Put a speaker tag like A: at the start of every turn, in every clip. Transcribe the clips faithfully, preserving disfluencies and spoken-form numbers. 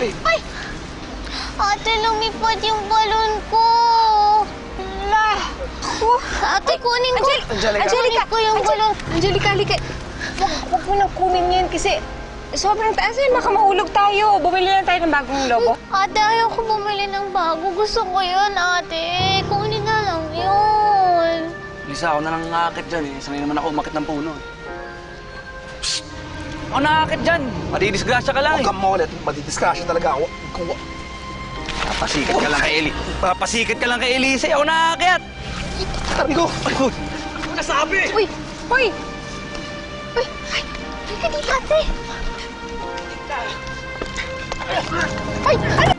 A: eh.
B: Ay! Ate, lumipad yung balon ko.
C: La! Oh,
B: Ate, kunin ko.
A: Angelica.
C: Angelica!
B: Kunin ko yung balon.
C: Angelica, halika. Huwag, huwag mo nang kunin yan kasi sobrang taas yan. Baka mahulog tayo. Bumili lang tayo ng bagong lobo.
B: Ate, ayaw ko bumili ng bago. Gusto ko yun, ate. Kunin na lang yun.
A: Lisa, ako na lang nakakit dyan eh. Sanay naman ako umakit ng puno eh. Psst! Ako nakakit dyan. Madidisgrasya ka lang
D: Huwag
A: eh.
D: kang maulit. Madidiscussion talaga ako. Kung...
A: Papasikit ka lang kay Eli. Papasikit ka lang kay Elise. Ako nakakit.
D: Sabi ko!
A: Ayun. Ano nasabi?
C: Uy! Uy!
B: Uy, ay, halika dito, ate.
C: Ay! Ano?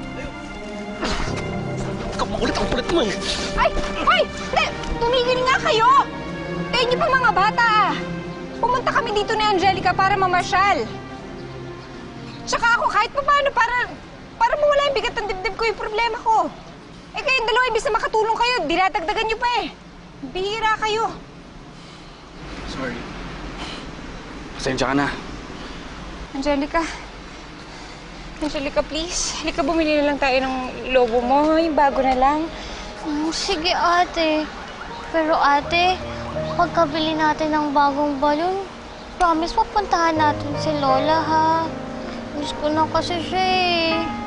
D: Huwag kang maulit. Ang kulit mo eh.
C: Ay! Ay! Hindi! Tumigil nga kayo! Kayo niyo pa mga bata ah! Pumunta kami dito ni Angelica para mamasyal. Tsaka ako kahit pa paano para... para mawala yung bigat ng dibdib ko yung problema ko. Eh kayong dalawa, ibig na makatulong kayo, dinadagdagan niyo pa eh. Bihira kayo.
A: Sorry. Pasensya ka na.
C: Angelica. Angelica, please. Halika, bumili na lang tayo ng lobo mo. Yung bago na lang.
B: Mm, sige, ate. Pero ate, pagkabili natin ng bagong balon, promise mapuntahan natin si Lola, ha? Miss ko na kasi siya eh.